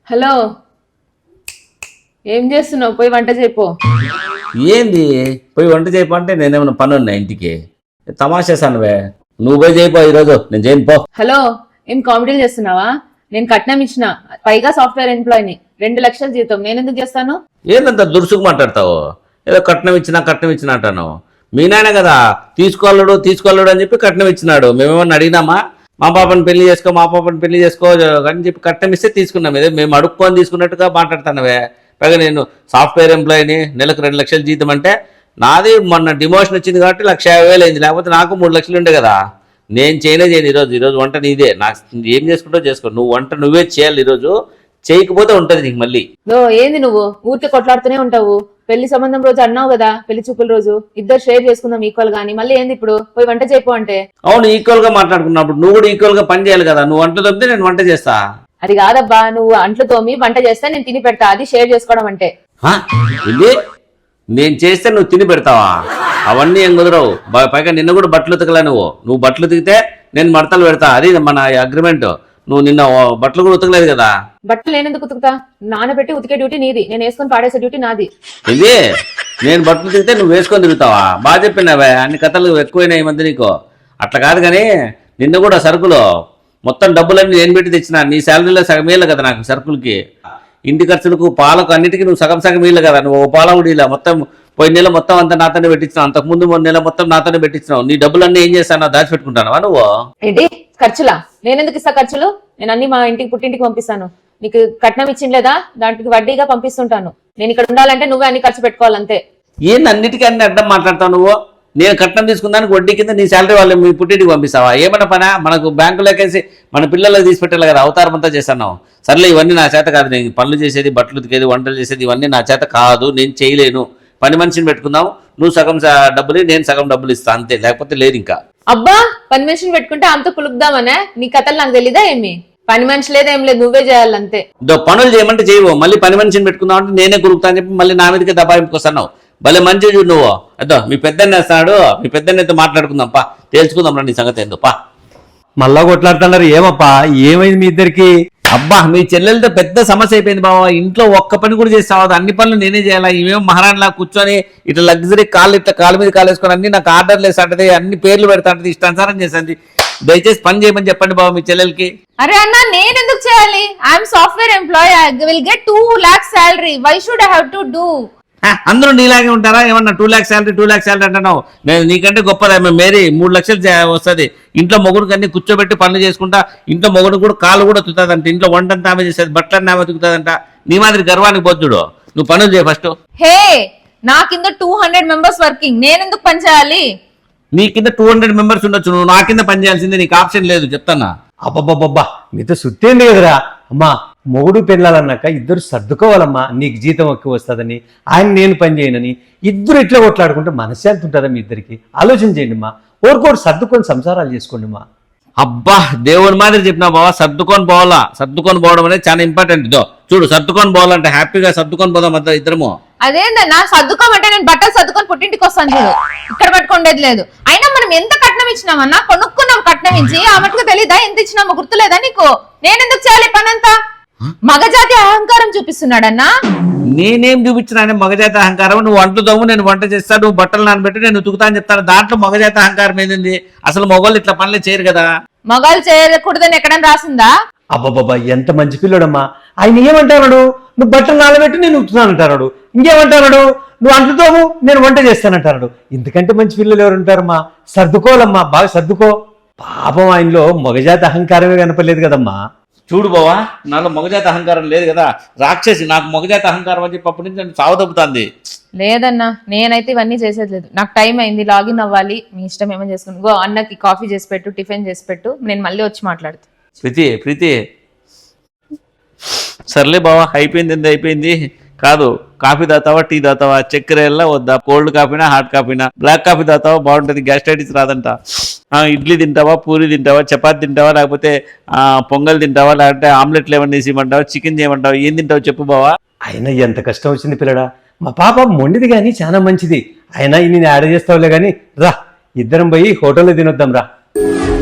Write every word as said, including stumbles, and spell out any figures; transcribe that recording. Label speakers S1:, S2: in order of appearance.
S1: Hello, ఏం చేస్తున్నావు? పోయి వంట చేయపో.
S2: ఏంది పోయి వంట చేయపో అంటే నేనేమన్నా పని ఉన్నా ఇంటికి? తమాషేసానువే, నువ్వు పోయి చేయిపో ఈరోజు, నేను చేయను పో.
S1: హలో, ఏం కామెడీలు చేస్తున్నావా? నేను కట్నం ఇచ్చిన, పైగా సాఫ్ట్వేర్ ఎంప్లాయీని, రెండు లక్షల జీతం. నేను ఎందుకు చేస్తాను?
S2: ఏందంత దురుసుకు మాట్లాడతావు? ఏదో కట్నం ఇచ్చినా కట్నం ఇచ్చినా అంటాను. మీ నాయన కదా తీసుకోలేడు తీసుకోలేడు అని చెప్పి కట్నం ఇచ్చినాడు. మేమేమన్నా అడిగినామా? మా పాపని పెళ్లి చేసుకో మా పాపని పెళ్లి చేసుకో అని చెప్పి కట్నం ఇస్తే తీసుకున్నాం. ఏదో మేము అడుక్కొని తీసుకున్నట్టుగా మాట్లాడుతున్నావే. పైగా నేను సాఫ్ట్వేర్ ఎంప్లాయీని, నెలకు రెండు లక్షల జీతం అంటే నాది మొన్న డిమోషన్ వచ్చింది కాబట్టి లక్ష యాభై వేలు అయింది. లేకపోతే నాకు మూడు లక్షలు ఉండే కదా. నేను చేయనే చేయను ఈరోజు. ఈరోజు వంట నీదే. నాకు ఏం చేసుకుంటావు చేసుకో. నువ్వు వంట నువ్వే చేయాలి ఈరోజు. చేయకపోతే ఉంటది నీకు మళ్ళీ.
S1: ఓ ఏంది నువ్వు ఊరికే కొట్లాడుతూనే ఉంటావు? పెళ్లి సంబంధం రోజు అన్నావు కదా, పెళ్లి చూపుల రోజు ఇద్దరు షేర్ చేసుకుందాం ఈక్వల్ గానీ, మళ్ళీ ఏంది ఇప్పుడు పోయి వంట చేయపో అంటే?
S2: అవును, ఈక్వల్ గా మాట్లాడుకున్నప్పుడు నువ్వు కూడా ఈక్వల్ గా పని చేయాలి కదా. నువ్వు వంట తప్పితే నేను వంట చేస్తా.
S1: అది కాదబ్బా, నువ్వు అంట్లు తోమి వంట చేస్తే నేను తిని పెడతా. అది షేర్ చేసుకోవడం అంటే.
S2: ఇది నేను చేస్తే నువ్వు తిని పెడతావా? అవన్నీ ఏం కుదరవు. పైగా నిన్న కూడా బట్టలు ఉతకలే. నువ్వు నువ్వు బట్టలు ఉతికితే నేను మడతలు పెడతా. అది మన అగ్రిమెంట్. నువ్వు నిన్న బట్టలు కూడా ఉతకలేదు కదా.
S1: బట్టలు నేను ఎందుకు ఉతుకుతా? నానబెట్టి ఉతికే డ్యూటీ నీది, నేను వేసుకొని పాడేసే డ్యూటీ నాది.
S2: ఇది నేను బట్టలు ఉతికితే నువ్వు వేసుకొని తిరుగుతావా? బాగా చెప్పినావే. అన్ని కథలు ఎక్కువైనాయి ఈ మధ్య నీకు. అట్లా కాదు కానీ నిన్న కూడా సరుకులు మొత్తం డబ్బులన్నీ నేను పెట్టి తెచ్చినా. నీ శాలరీలో సగం వేయలే కదా నాకు సరుకులకి, ఇంటి ఖర్చులకు, పాలకు, అన్నిటికీ నువ్వు సగం సగం వేయలే కదా. నువ్వు పాల కూడా ఇలా మొత్తం పోయిన నెల మొత్తం అంతా నాతోనే పెట్టించినావు. అంతకుముందు మూడు నెల మొత్తం నాతోనే పెట్టించినావు. నీ డబ్బులన్నీ ఏం చేస్తానో దాచిపెట్టుకుంటానవా నువ్వు?
S1: ఏంటి ఖర్చులా? నేను ఎందుకు ఇస్తా ఖర్చులు? నేను అన్ని మా ఇంటికి పుట్టింటికి పంపిస్తాను. నీకు కట్నం ఇచ్చిండ్లేదా, దానికి వడ్డీగా పంపిస్తుంటాను. నేను ఇక్కడ ఉండాలంటే నువ్వే అన్ని ఖర్చు పెట్టుకోవాలంతే.
S2: ఏంది అన్నిటికీ అన్ని అడ్డం మాట్లాడతావు నువ్వు? నేను కట్నం తీసుకున్నానికి వడ్డీ కింద నీ శాలరీ వాళ్ళు మీ పుట్టింటికి పంపిస్తావా? ఏమన్నా పనా? మనకు బ్యాంకులోకేసి మన పిల్లలకు తీసి పెట్టాలి కదా. అవతారం అంతా చేస్తాను. సర్లే, ఇవన్నీ నా చేత కాదు. నేను పనులు చేసేది, బట్టలు ఉతికేది, వంటలు చేసేది ఇవన్నీ నా చేత కాదు. నేను చేయలేను. పని మనిషిని పెట్టుకుందాం. నువ్వు సగం డబ్బులు, నేను సగం డబ్బులు ఇస్తా అంతే. లేకపోతే లేదు. ఇంకా
S1: అబ్బా, పని మనిషిని పెట్టుకుంటే అంత కులుపుదామనే? నీ కథలు నాకు తెలీదా ఏమి? పని మనిషి లేదేం లేదు, నువ్వే చేయాలంతే.
S2: పనులు చేయమంటే చేయవు. మళ్ళీ పని మనిషిని పెట్టుకుందాం అంటే నేనే కురుకుతా అని చెప్పి మళ్ళీ నా మీదకే దబాయింపుకి వస్తున్నావు. భలే మంచి చూడు నువ్వు. అదో మీ పెద్దన్న వేస్తాడు. మీ పెద్దన్నతో మాట్లాడుకుందాం పా, తేల్చుకుందాం రా నీ సంగతి ఏందో పా.
S3: మళ్ళా కొట్లాడుతున్నారు ఏమప్పా? ఏమైంది మీ ఇద్దరికి?
S2: అబ్బా, మీ చెల్లెలతో పెద్ద సమస్య అయిపోయింది బావా. ఇంట్లో ఒక్క పని కూడా చేస్తావు. అన్ని పనులు నేనే చేయాలా. ఇవేమో మహారాణిలా కూర్చొని ఇట్లా లగ్జరీ కాళ్ళు ఇట్లా కాళ్ళ మీద కాలు వేసుకొని అన్ని నాకు ఆర్డర్లు వేస్తాంటది, అన్ని పేర్లు పెడతాంటది, ఇష్టానుసారం చేస్తుంది. దయచేసి పని చేయమని చెప్పండి బాబు మీ చెల్లెలకి.
S1: అరే అన్న, నేను ఎందుకు చేయాలి? I'm software employee. I will get two lakhs salary. Why should I have to do?
S2: అందరూ నీలాగే ఉంటారా? ఏమన్నా two lakhs salary two lakhs salary అంటున్నావు. నేను నీకంటే గొప్పదా మేరీ? మూడు లక్షలు వస్తుంది. ఇంట్లో మొగుడికి అన్ని కూర్చోబెట్టి పనులు చేసుకుంటా. ఇంట్లో మొగుడు కూడా కాళ్ళు కూడా తుతుందంట. ఇంట్లో వంటంతా ఆమె చేసేది, బట్టలన్నీ ఆమె తుకుతుందంట. నీ మాదిరి గర్వానికి పోతుడు. నువ్వు పనులు చేయ ఫస్ట్.
S1: హే, నా కింద టూ హండ్రెడ్ మెంబర్స్ వర్కింగ్. నేను ఎందుకు పని చేయాలి?
S2: నీ కింద టూ హండ్రెడ్ మెంబర్స్ ఉండొచ్చు. నువ్వు నా కింద పని చేయాల్సిందే. నీకు ఆప్షన్ లేదు, చెప్తానా.
S3: అబ్బబ్బబ్బబ్బా, మీతో సుత్తేంది కదరా అమ్మా. మొగుడు పెళ్ళాలన్నాక ఇద్దరు సర్దుకోవాలమ్మా. నీకు జీతం ఎక్కువ వస్తుందని, ఆయన నేను పని చేయనని ఇద్దరు ఇట్లా కొట్లాడుకుంటే మనశ్శాంతి ఉంటుందా మీ ఇద్దరికి? ఆలోచన చేయండి మా. ఓరుకోరు సర్దుకొని సంసారాలు చేసుకోండి మా.
S2: అబ్బా, దేవుని మాదిరి చెప్పినా బావా. సర్దుకొని పోవాలా. సర్దుకొని పోవడం అనేది చాలా ఇంపార్టెంట్. ఇదో చూడు, సర్దుకొని పోవాలంటే హ్యాపీగా సర్దుకొని పోదాం అంతా ఇద్దరము.
S1: అదేందన్నా సర్దుకోమంటే? నేను బట్టలు సర్దుకొని పుట్టింటికి వస్తాను చూడు, ఇక్కడ పట్టుకోండేది లేదు. అయినా మనం ఎంత కట్నం ఇచ్చినామన్నా? కొనుక్కున్నాం కట్నం ఇచ్చి. ఆ మటుకు తెలీదా ఎంత ఇచ్చినామో? గుర్తులేదా నీకు? నేనెందుకు చేయాలి పనంతా? మగజాతి అహంకారం చూపిస్తున్నాడన్నా.
S2: నేనేం చూపించినా మగజాతి అహంకారం? నువ్వు వంట దమ్ము, నేను వంట చేస్తా, నువ్వు బట్టలు నానబెట్టి నేను ఉతుకుతా అని చెప్తాను. దాంట్లో మగజాతి అహంకారం ఏంది? అసలు మగవాళ్ళు ఇట్లా పనులు చేయరు కదా.
S1: మగాళ్ళు చేయకూడదని ఎక్కడన్నా రాసిందా?
S3: అబ్బబ్బబ్బా, ఎంత మంచి పిల్లడమ్మా. ఆయన ఏమంటాడు? నువ్వు బట్టలు నానబెట్టి నేను ఉతుకుతానంటాడు. ఇంకేమంటాడు? నువ్వు అంటుతావు, నేను వంట చేస్తానంటాడు. ఇంతకంటే మంచి పిల్లలు ఎవరు ఉంటారమ్మా? సర్దుకోవాలమ్మా, బాగా సర్దుకో. పాపం ఆయనలో మగజాతి అహంకారమే కనపడలేదు కదమ్మా.
S2: చూడు బావా, నాలో మగజాతి అహంకారం లేదు కదా. రాక్షసి నాకు మగజాతి అహంకారం అని చెప్పి అప్పటి నుంచి నన్ను సావదబ్బుతుంది.
S1: లేదన్నా, నేనైతే ఇవన్నీ చేసేది లేదు. నాకు టైం అయింది, లాగిన్ అవ్వాలి. మీ ఇష్టం ఏమని చేసుకుని గో. అన్నకి కాఫీ చేసి పెట్టు, టిఫిన్ చేసి పెట్టు. నేను మళ్ళీ వచ్చి మాట్లాడుతా.
S2: ప్రీతి ప్రీతి సర్లే బావా, అయిపోయింది. ఎంత అయిపోయింది కాదు. కాఫీ తాతావా, టీ తాతావా, చక్కెర ఎల్లా వద్దా? కోల్డ్ కాఫీనా, హాట్ కాఫీనా? బ్లాక్ కాఫీ తాతావా, బాగుంటుంది. గ్యాస్ట్రైటిస్ రాదంట. ఇడ్లీ తింటావా, పూరి తింటావా, చపాతి తింటావా, లేకపోతే పొంగల్ తింటావా, లేకపోతే ఆమ్లెట్లు ఏమన్నా వేసి ఇవ్వమంటావా, చికెన్ చేయమంటావా, ఏం తింటావు చెప్పు బావా.
S3: ఆయన ఎంత కష్టం వచ్చింది పిల్లడా. మా పాప మొండిది కానీ చాలా మంచిది. అయినా నేను యాడ్ చేస్తావులే కానీ రా, ఇద్దరం పోయి హోటల్లో తినొద్దాం రా.